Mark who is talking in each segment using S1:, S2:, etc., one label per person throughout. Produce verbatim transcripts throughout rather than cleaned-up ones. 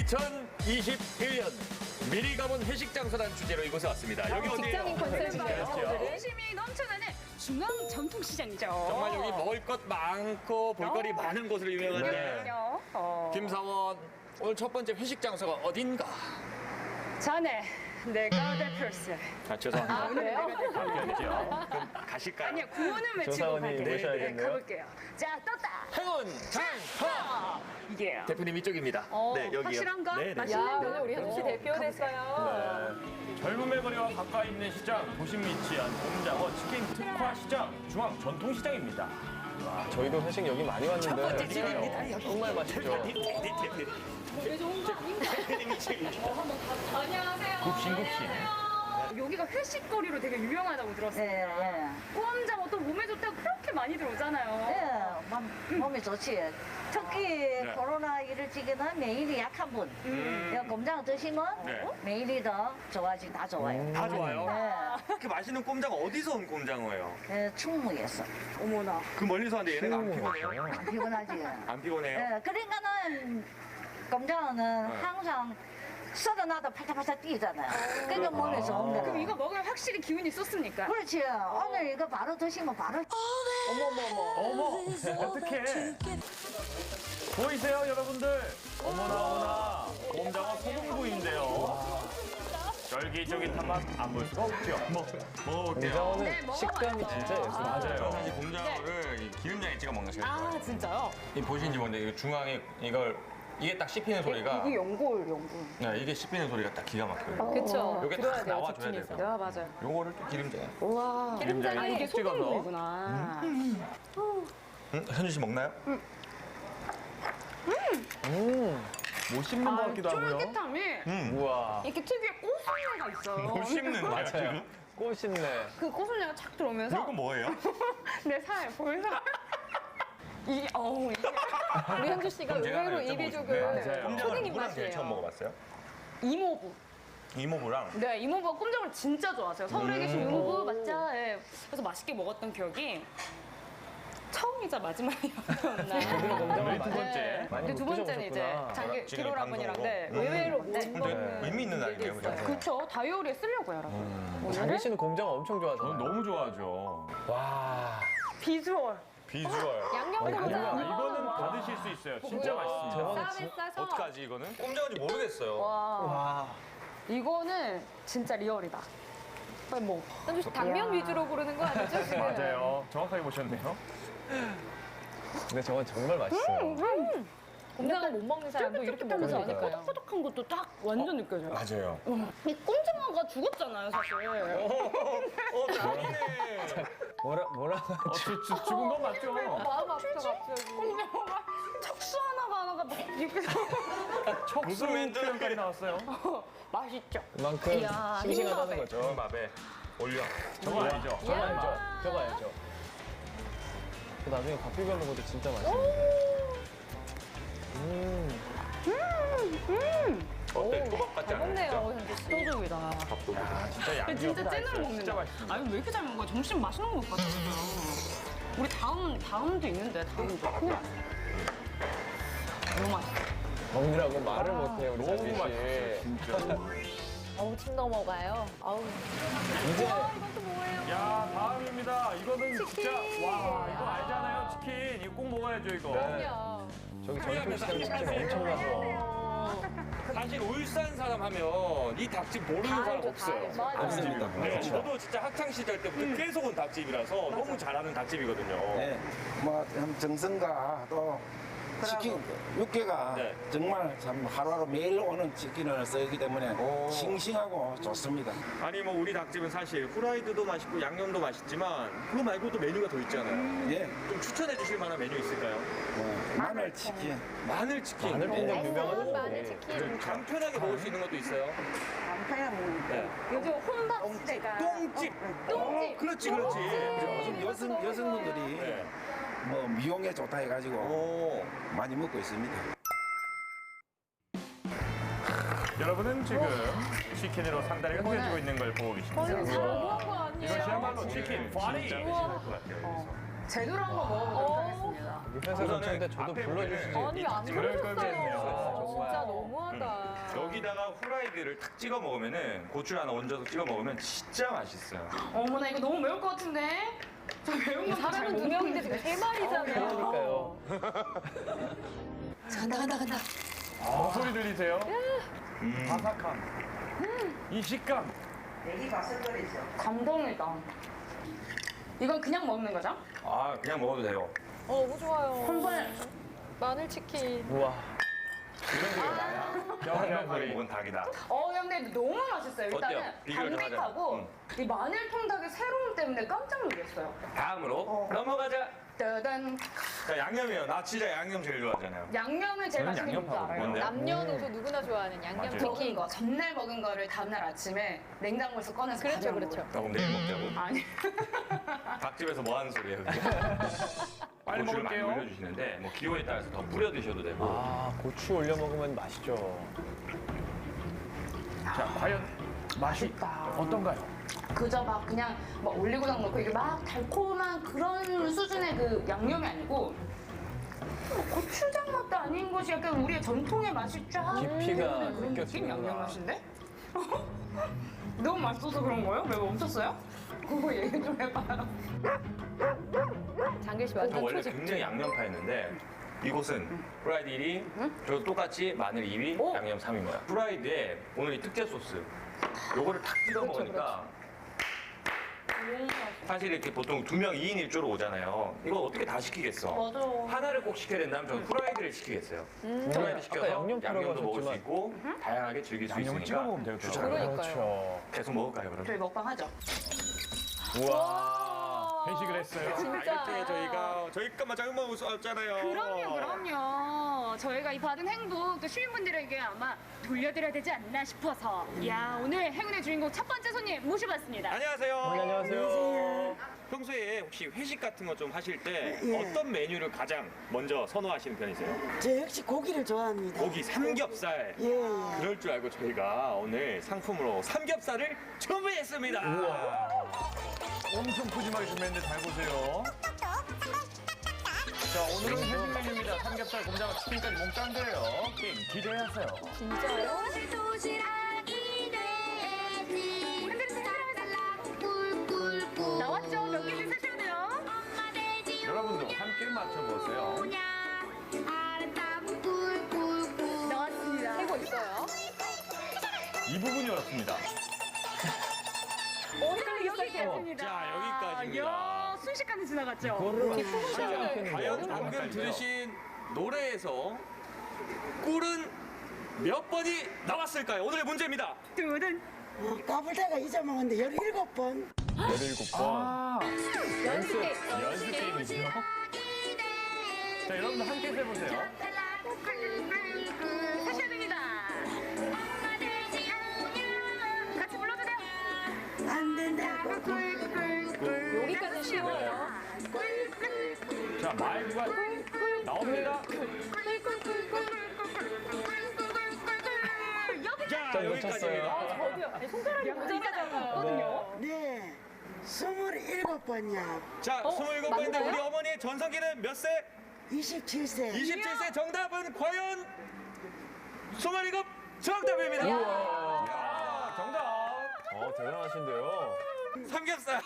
S1: 이천이십일 년 미리 가본 회식 장소란 주제로 이곳에 왔습니다. 여기 어디예요?
S2: 직장인 컨셉인가요?
S3: 호기심이 넘쳐나는 중앙 전통시장이죠.
S1: 정말 여기 먹을 것 많고 볼거리
S3: 어.
S1: 많은 곳으로 유명한데
S3: 그럼요. 어.
S1: 김사원 오늘 첫 번째 회식 장소가 어딘가?
S3: 자네, 내가 대표세.
S1: 아 죄송합니다.
S2: 아, 그래요?
S1: 바뀌었죠. 그럼 가실까요?
S3: 아니요, 구호는 외치고
S4: 조사원이
S3: 갈게요.
S4: 모셔야겠네요.
S3: 네, 가볼게요. 자, 떴다.
S1: 행운 장터
S3: 이게
S1: 대표님 이쪽입니다.
S3: 어,
S1: 네 여기요.
S3: 확실한가?
S1: 네, 네.
S2: 야,
S3: 맛있는데?
S2: 오늘 우리 현주 씨 대표 됐어요.
S4: 젊음의 거리와 가까이 있는 시장, 도심 위치한 봄장어 치킨 특화 시장, 중앙 전통시장입니다. 와, 저희도 회식 여기 많이 왔는데
S1: 첫 번째 집입니다. 여기.
S4: 정말 맛있죠.
S1: 대표님이 책임져.
S3: 안녕하세요.
S4: 굽신굽신.
S3: 여기가 회식거리로 되게 유명하다고 들었어요.
S5: 예, 예.
S3: 꼬암장어 또 몸에 좋다고 그렇게 많이 들어오잖아요.
S5: 예, 몸, 몸이 좋지. 특히 코로나 이를 찌기는免疫이 약한 분. 음. 곰장어 드시면
S1: 네.
S5: 免疫이 더 좋아지, 다 좋아요.
S1: 다 좋아요.
S5: 예,
S1: 그렇게 맛있는 꼼장어 어디서 온 꼼장어예요?
S5: 예, 충무에서.
S3: 어머나.
S1: 그 멀리서 왔는데 얘네가 안 피곤해요?
S5: 안 피곤하지.
S1: 안 피곤해요?
S5: 예, 그러니까는 곰장어는 항상 썰어놔도 팔짝팔짝 뛰잖아요. 그러니까 몸에 좋은
S3: 그럼
S5: 거예요.
S3: 이거 먹으면 확실히 기운이 쏟습니까?
S5: 그렇지. 오늘 이거 바로 드시면 바로
S4: 어머, 어떡해. 보이세요, 여러분들? 어머나, 어머나. 봄장어 소금구이인데요. 쫄깃쫄깃한 맛 안 볼 수가 없죠.
S1: 뭐, 먹어볼게요.
S3: 네, 먹어봐요.
S4: 식감이 진짜 예술이에요. 맞아요.
S1: 사실 곰장어를 이 기름장에 찍어 먹는 게 제일 좋아요.
S3: 아, 진짜요?
S1: 이 보시는지 모르는데 이거 중앙에 이걸 이게 딱 씹히는 소리가
S3: 이게 연골, 연골.
S1: 네, 이게 씹히는 소리가 딱 기가 막혀요.
S2: 그쵸.
S1: 요게
S2: 들어야
S1: 딱
S2: 돼요,
S1: 나와줘야
S2: 집중해서.
S1: 돼요.
S3: 아, 맞아요.
S1: 요거를 또 기름장에.
S2: 우와.
S4: 기름장에
S3: 아, 이게
S4: 콕 찍어서.
S3: 소금구이구나.
S1: 음, 현주 씨 먹나요?
S4: 못 씹는 것 같기도 하고요.
S3: 쫄깃함이
S4: 우와.
S3: 이렇게 특유의 고소미가 있어요.
S1: 못 씹는 거야
S4: 맞아요.
S1: 지금?
S4: 꽃있네.
S3: 그 고소미가 착 들어오면서
S1: 이거 뭐예요?
S3: 내 살, 볼살. 이, 어우, 이게.
S2: 우리 현주 씨가
S1: 그럼 제가
S2: 의외로
S1: 하나 여쭤보고
S2: 이비족을
S4: 싶은데. 맞아요.
S1: 꼼장어를
S2: 초딩
S1: 누구랑 제일 처음
S2: 입맛이에요.
S1: 먹어봤어요?
S3: 이모부.
S1: 이모부랑.
S3: 네, 이모부가 꼼장어를 진짜 좋아하세요. 서울에 계신 이모부 맞죠? 네. 그래서 맛있게 먹었던 기억이 처음이자 마지막이었나.
S4: 우리 두
S3: 네.
S4: 번째. 많이
S3: 근데
S4: 못
S3: 두 번째는 이제
S4: 드셔보셨구나.
S3: 장기
S1: 지금
S3: 기로라 분이랑
S1: 방송으로?
S3: 네,
S1: 음.
S3: 의외로 못
S1: 근데
S3: 먹는
S1: 의미 있는
S3: 일도
S1: 날이네요,
S3: 있어요.
S1: 그죠?
S3: 그렇죠. 다이어리에 쓰려고요, 여러분.
S4: 장기
S3: 오늘은
S4: 씨는 곰장어 엄청 좋아하잖아요.
S6: 너무 좋아하죠.
S4: 와.
S3: 비주얼.
S1: 비주얼.
S2: 양념
S4: 아니,
S2: 곰장.
S4: 그냥
S6: 이거는 다 드실 수 있어요. 진짜 맛있습니다.
S4: 저거는
S2: 쌈에 싸서.
S1: 어떡하지 이거는? 꼼장어인지 모르겠어요.
S3: 와,
S4: 와.
S3: 이거는 진짜 리얼이다. 빨리 먹어.
S2: 현주 씨 당면 위주로 고르는 거 아니죠? 지금?
S6: 맞아요. 정확하게 보셨네요.
S4: 근데 저건 정말 맛있어요.
S2: 곰장어 못 먹는 사람도 이렇게
S3: 하면서
S2: 먹으면
S4: 그러니까요.
S2: 되니까요.
S3: 뽀득뽀득한 것도 딱 완전 느껴져요.
S1: 맞아요.
S3: 이 꼼장어가 죽었잖아요, 사실.
S1: 어, 잘하네.
S4: 뭐라, 뭐라.
S6: 어, 주, 주, 죽은 건 맞죠?
S2: 마음 아프다 갑자기.
S3: 꼼장어가 척수 하나가 하나가 막 이렇게
S1: 무슨 멘트?
S6: 표현까지 나왔어요.
S3: 맛있죠.
S4: 그만큼
S3: 이야,
S4: 싱싱하다는
S3: 흰밥에.
S4: 거죠.
S1: 밥에 올려.
S6: 저거 아니죠?
S4: 저거 알죠? 저거 알죠? 그 나중에 밥 비벼 먹어도 진짜 맛있어요. 음.
S1: 어때? 초밥 같지
S2: 잘
S1: 않아요?
S2: 먹네요, 현주 씨.
S3: 소중이다.
S1: 밥도둑이다.
S6: 진짜 양념.
S3: 진짜 찐으로 먹는다.
S6: 진짜 맛있습니다.
S3: 아니 왜 이렇게 잘 먹어? 점심 맛있는 거 같아 지금. 우리 다음 다음도 있는데 다음도 큰일 났어. 너무 맛있어.
S4: 먹느라고 말을 못해요, 우리
S6: 너무
S4: 자기 씨.
S6: 맛있어요. 진짜.
S2: 어우, 침 넘어가요. 아우.
S4: 이제
S2: 와, 이건 또 뭐예요?
S6: 야, 다음입니다. 이거는
S2: 치킨.
S6: 진짜 와, 이거 알잖아요. 치킨. 이거 꼭 먹어야죠, 이거.
S4: 네.
S2: 그럼요.
S4: 저기 전통시장 치킨 엄청 가서.
S1: 사실 울산 사람 하면 이 닭집 모르는
S2: 다
S1: 사람
S2: 알죠,
S1: 없어요.
S2: 다 알죠.
S1: 없습니다. 네,
S4: 그렇죠.
S1: 저도 진짜 학창 시절 때부터 계속 온 닭집이라서 너무 잘하는 닭집이거든요.
S7: 네, 뭐 정성과 또 치킨 육개가
S1: 네.
S7: 정말 참 하루하루 매일 오는 치킨을 쓰기 때문에
S1: 오.
S7: 싱싱하고 좋습니다.
S1: 아니 뭐 우리 닭집은 사실 후라이드도 맛있고 양념도 맛있지만 그거 말고도 메뉴가 더 있잖아요.
S7: 예,
S1: 좀 추천해 주실 만한 메뉴 있을까요?
S7: 뭐 마늘 치킨,
S1: 마늘 치킨.
S4: 마늘 뽕장
S2: 알싸한
S4: 유명하죠.
S2: 마늘 치킨.
S1: 간편하게 먹을 수 있는 것도 있어요. 네.
S3: 요즘 혼밥 시대가
S1: 똥집.
S2: 똥집.
S1: 그렇지, 그렇지.
S7: 요즘 여성 여성분들이
S1: 네.
S7: 뭐 미용에 좋다 해가지고
S1: 오.
S7: 많이 먹고 있습니다.
S6: 여러분은 지금 치킨으로 상다리가 휘어지고 있는 걸 보고 계십니다.
S2: 이거 잘못한 거 아니에요?
S6: 이것이야말로 치킨 파리.
S1: 진짜 드셔야 될 것 같아요. 여기서.
S3: 제대로 한번 먹어보도록 하겠습니다.
S4: 회사 전체인데 저도
S1: 앞에
S4: 불러주시지.
S1: 보면은
S2: 아니 안
S4: 그럴 걸 그랬네요.
S2: 그러셨어요.
S4: 정말.
S2: 진짜 너무하다.
S1: 여기다가 후라이드를 탁 찍어 먹으면은 고추 하나 얹어서 찍어 먹으면 진짜 맛있어요.
S3: 어머나 이거 너무 매울 것 같은데? 저 매운 거
S2: 사람은 두 명인데 지금 세 마리잖아요.
S4: 그러니까요.
S2: 간다 간다 간다.
S6: 어, 소리 들리세요? 바삭함. 이 식감.
S5: 내기 바삭거리죠.
S3: 감동이다. 이건 그냥 먹는 거죠?
S1: 아 그냥 먹어도 돼요.
S2: 어, 너무 좋아요.
S3: 한 번에
S2: 마늘 치킨.
S4: 우와.
S1: 이런 소리가 나야. 양념거리 먹은 닭이다.
S3: 어, 근데 너무 맛있어요. 일단은
S1: 어때요? 비교를 좀 하자.
S3: 담백하고
S1: 응.
S3: 이 마늘 통닭의 새로움 때문에 깜짝 놀랐어요.
S1: 다음으로 넘어가자.
S3: 짜잔.
S1: 자 양념이요. 나 진짜 양념 제일 좋아하잖아요.
S3: 양념을 제일
S4: 저는
S3: 맛있는 게 뭔지
S4: 양념파고
S3: 알아요?
S1: 뭔데요?
S2: 남녀노소 누구나 좋아하는 양념
S1: 맞아요.
S3: 먹은
S2: 치킨.
S3: 거, 전날 먹은 거를 다음날 아침에 냉장고에서 꺼내서
S2: 그렇죠,
S3: 가져온
S2: 그렇죠.
S3: 거예요.
S1: 나 그럼 내일 먹자고.
S3: 아니.
S1: 닭집에서 뭐 하는 소리예요? 그게?
S6: 빨리
S1: 고추를 많이
S6: 먹을게요.
S1: 올려주시는데 뭐 기호에 따라서 더 뿌려 드셔도 되고.
S4: 아, 고추 올려 먹으면 맛있죠.
S6: 자, 과연 맛이 어떤가요?
S3: 그저 막 그냥 막 올리고당 넣고 이게 막 달콤한 그런 수준의 그 양념이 아니고 뭐 고추장 맛도 아닌 것이 약간 우리의 전통의 맛이 쫙
S4: 깊이가
S3: 그런 느낌
S4: 느껴지는구나.
S3: 양념 맛인데? 너무 맛있어서 그런 거예요? 왜 멈췄어요? 그거 얘기 좀 해봐요.
S2: 장길 씨
S1: 저
S2: 완전
S1: 원래
S2: 초집.
S1: 굉장히 양념파였는데 이곳은 프라이드 일 위, 저 똑같이 마늘 이 위,
S3: 오.
S1: 양념 삼 위인 거야. 프라이드에 오늘 이 특제 소스, 요거를 탁 찍어 먹으니까 사실 이렇게 보통 두 명 이 인 일 조로 오잖아요. 이거 어떻게 다 시키겠어?
S3: 맞아.
S1: 하나를 꼭 시켜야 된다면 저는 프라이드를 시키겠어요. 프라이드 시켜서
S4: 아까 양념
S1: 양념도 먹을 수
S4: 들어가셨지만.
S1: 있고 다양하게 즐길 수
S6: 양념을 찍어
S1: 있으니까
S6: 먹으면 되겠다.
S1: 추천합니다.
S2: 그러니까요.
S1: 계속 먹을까요 그럼?
S3: 저희 먹방 하죠.
S4: 우와.
S6: 회식을 했어요.
S2: 진짜.
S1: 이렇게 저희가 저희 것만 잘못 먹었잖아요.
S3: 그럼요, 그럼요. 저희가 이 받은 행복 또 시민분들에게 아마 돌려드려야 되지 않나 싶어서. 야, 오늘 행운의 주인공 첫 번째 손님 모셔봤습니다.
S1: 안녕하세요.
S4: 어머니 안녕하세요.
S1: 평소에 혹시 회식 같은 거 좀 하실 때
S8: 예.
S1: 어떤 메뉴를 가장 먼저 선호하시는 편이세요?
S8: 저 역시 고기를 좋아합니다.
S1: 고기 삼겹살.
S8: 예, 예.
S1: 그럴 줄 알고 저희가 오늘 상품으로 삼겹살을 준비했습니다.
S6: 엄청 푸짐하게 준비했는데 잘 보세요. 자, 오늘은 회식 메뉴입니다. 삼겹살, 곰장어, 치킨까지 몽땅돼요. 게임 기대하세요.
S2: 진짜요?
S3: 나왔죠? 몇 개를 사셔야 돼요.
S6: 여러분도 함께 맞춰보세요.
S3: 나왔습니다.
S2: 세고 있어요.
S6: 이 부분이었습니다.
S3: 오늘 여기까지입니다.
S1: 자, 여기까지입니다.
S3: 이야, 순식간에 지나갔죠?
S2: 자,
S1: 과연 방금 들으신 노래에서 꿀은 몇 번이 나왔을까요? 오늘의 문제입니다.
S3: 두둔.
S8: 어, 까불다가 잊어먹었는데 열일곱 번.
S4: 열일곱 번.
S6: 아,
S2: 연습 게임.
S6: 연습 게임이죠. 자, 여러분들 함께 해보세요.
S3: 하셔야 됩니다. 같이 불러주세요.
S8: 안 된다고.
S2: 여기까지 쉬워요.
S6: 자, 마이크가 나옵니다.
S1: 자,
S4: 좀
S1: 여기까지입니다.
S2: 아, 저도요. 아니, 손가락이 모자라잖아요.
S8: 네. 스물일곱 번이야.
S1: 자,
S2: 어?
S1: 스물일곱 번인데
S2: 맞나요?
S1: 우리 어머니의 전성기는 몇 세?
S8: 이십칠 세.
S1: 이십칠 세 정답은 과연 스물일곱 정답입니다.
S6: 야, 정답.
S4: 어, 대단하신데요.
S1: 삼겹살.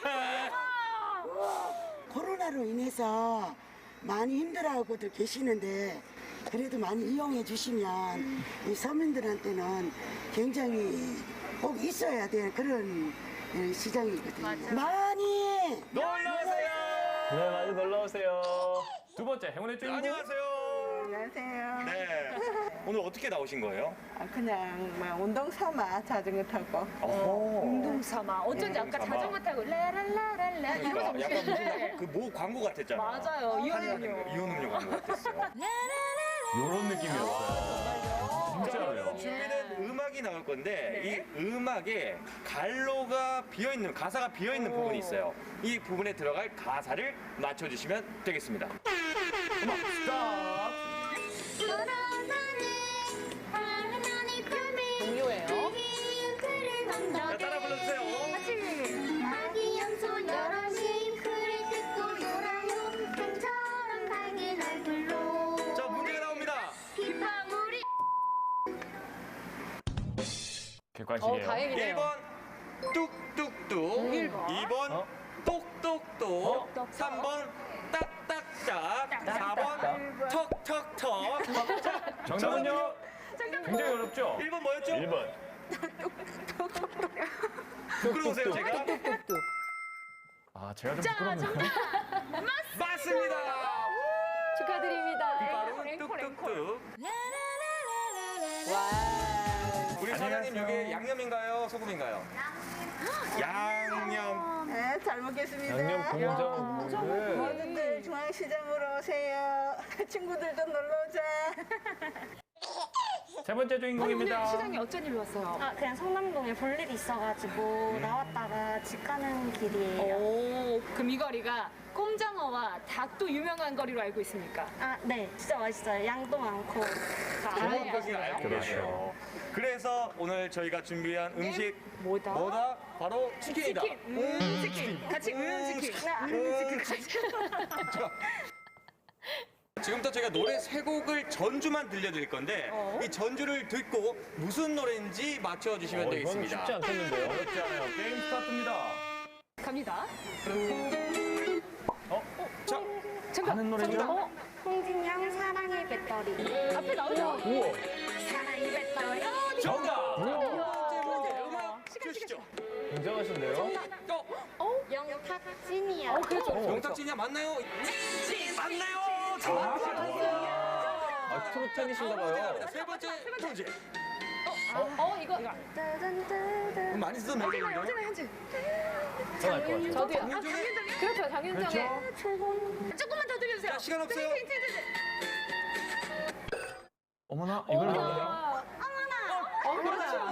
S8: 코로나로 인해서 많이 힘들어하고들 계시는데 그래도 많이 이용해 주시면 이 서민들한테는 굉장히 꼭 있어야 될 그런 예, 시장이거든요. 많이
S1: 놀러 오세요.
S4: 네, 많이 놀러 오세요.
S6: 두 번째 행운의 주인공.
S1: 안녕하세요.
S9: 안녕하세요.
S1: 네. 오늘 어떻게 나오신 거예요?
S9: 아, 그냥 막 운동 삼아 자전거 타고.
S1: 어.
S2: 삼아. 어쩐지 아까
S1: 삼아.
S2: 자전거 타고 라랄라랄라 이러면서
S1: 그러니까 약간
S2: 오시는데.
S1: 무슨 그 모 광고 같았잖아.
S2: 맞아요. 이혼음료.
S1: 이온 음료 광고 같았어요.
S6: 이런 느낌이었어요. 진짜로요.
S1: 준비된 음악이 나올 건데 이 음악에 갈로가 비어 있는 가사가 비어 있는 부분이 있어요. 이 부분에 들어갈 가사를 맞춰주시면 되겠습니다. 음악 스탑.
S2: 동요예요.
S1: 자, 따라 불러주세요.
S4: 객관식이에요.
S2: 다행이네요.
S1: 일 번 뚝뚝뚝, 이 번
S4: 어?
S1: 똑똑똑, 삼 번 딱딱딱, 사 번 턱턱턱.
S4: 정답은요? 굉장히 어렵죠?
S1: 일 번 뭐였죠?
S4: 일 번.
S1: 부끄러우세요, 제가?
S4: 아, 제가 좀
S2: 자,
S4: 부끄럽네요.
S2: 정답
S1: 맞습니다.
S2: 축하드립니다.
S1: 바로
S2: 앵콜, 앵콜.
S1: 뚝뚝뚝.
S2: 와.
S1: 우리 사장님 여기 양념인가요? 소금인가요? 양념.
S9: 네, 잘 먹겠습니다.
S4: 양념 공장.
S9: 모두들 중앙시장으로 오세요. 친구들도 놀러 오자.
S4: 세 번째
S2: 오늘
S4: 주인공입니다.
S2: 시장에 어쩐 일로 왔어요?
S10: 아, 그냥 성남동에 볼 일이 있어가지고 나왔다가 집 가는 길이에요.
S2: 오, 그럼 이 거리가 꼼장어와 닭도 유명한 거리로 알고 있습니까?
S10: 아, 네. 진짜 맛있어요. 양도 많고.
S2: 다
S1: 좋은
S2: 알아야
S1: 것을
S2: 하시나요?
S1: 알고 계셔. 그래서 오늘 저희가 준비한 음식
S2: 뭐다?
S1: 뭐다? 바로 치킨이다.
S2: 치킨. 음, 치킨. 같이 음, 치킨.
S1: 음, 치킨. 자, 지금부터 저희가 노래 세 곡을 전주만 들려드릴 건데
S2: 어?
S1: 이 전주를 듣고 무슨 노래인지 맞춰주시면
S4: 어, 이건
S1: 되겠습니다.
S4: 쉽지 않겠는데요?
S1: 어렵지 않아요. 게임 스타트입니다.
S2: 갑니다.
S1: 어? 자,
S2: 정답.
S4: 아는 노래죠?
S2: 정답. 어?
S10: 홍진영 사랑의 배터리.
S2: 앞에 나오죠?
S4: 우와.
S10: 사랑의 배터리.
S1: 정답! 자,
S4: 우와.
S1: 두 번째 문제 음악 주시죠.
S4: 굉장하신데요?
S1: 어?
S10: 영탁진이야.
S2: 어, 그렇죠.
S1: 영탁진이야 맞나요? 맞나요?
S4: 아, 트롯 팬이신가 봐요.
S1: 세 번째 문제.
S2: 어, 이거.
S10: 따단따단.
S1: 많이 쓰던 멜로디인데요?
S2: 현진아, 현진.
S4: 전할 것 같아요.
S2: 저도요. 아,
S1: 장윤정의?
S2: 장윤정의. 그렇죠, 장윤정의. 조금만 더 들려주세요.
S1: 자, 시간 없어요.
S2: 힌트, 힌트, 힌트.
S4: 어머나, 이걸 모르네요.
S2: 어머나. 어, 그렇죠.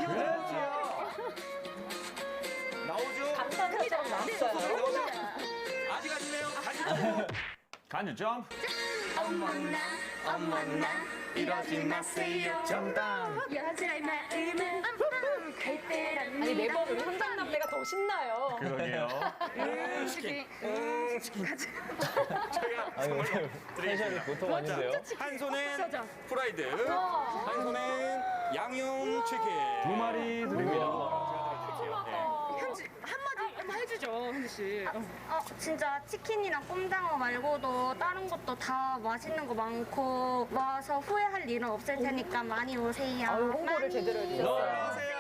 S1: 나오죠?
S2: 감사합니다. 나왔어요.
S1: 나오죠? 아직 아니네요. 다시.
S4: 간유 점프.
S10: 어머나, 어머나, 이러지 마세요.
S1: 정답.
S10: 여자의 마음은 갈 때란
S2: 아니, 매번 우리 혼장남매가 더 신나요.
S4: 그러게요.
S1: 음, 치킨. 음, 치킨. 저희가
S4: 아니,
S1: 선물로
S4: 오늘 텐션이
S1: 드리겠습니다.
S4: 보통 아닌데요?
S1: 한 손엔
S2: 진짜.
S1: 프라이드,
S2: 와.
S1: 한 손엔 양념 치킨.
S4: 두 마리 드립니다.
S2: 현지, 한마디 한번 해주죠, 현지 씨.
S10: 어, 진짜 치킨이랑 꼼장어 말고도 다른 것도 다 맛있는 거 많고 와서 후회할 일은 없을 테니까 많이 오세요.
S2: 아유, 홍보를
S10: 많이.
S2: 제대로 해주셨어요.
S1: 놀러 오세요.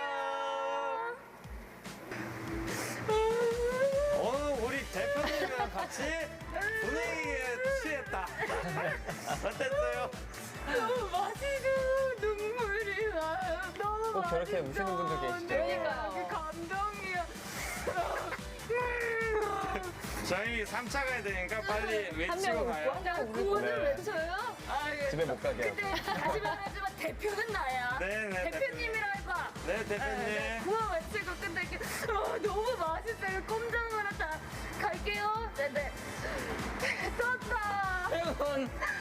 S1: 오늘 우리 대표님이랑 같이 분위기에 취했다. 어땠어요?
S2: 너무 맛있고 눈물이 나요. 너무
S4: 꼭 저렇게 우시는 분들 계시죠?
S2: 그러니까요. 감동이야.
S1: 저희 삼 차 가야 되니까 빨리
S2: 한
S1: 외치고
S2: 명
S1: 가요.
S2: 웃고 한 명은 구호를
S4: 네.
S2: 외쳐요? 아, 예.
S4: 집에 못 가게 하고.
S2: 근데 다시 말하지만 대표는 나야.
S1: 네네.
S2: 대표님이라 해봐.
S1: 네, 대표님.
S2: 구호 외치고 근데 이렇게 어, 너무 맛있어요. 꼼장어라 다 갈게요. 네네. 떴다.
S1: 여러분,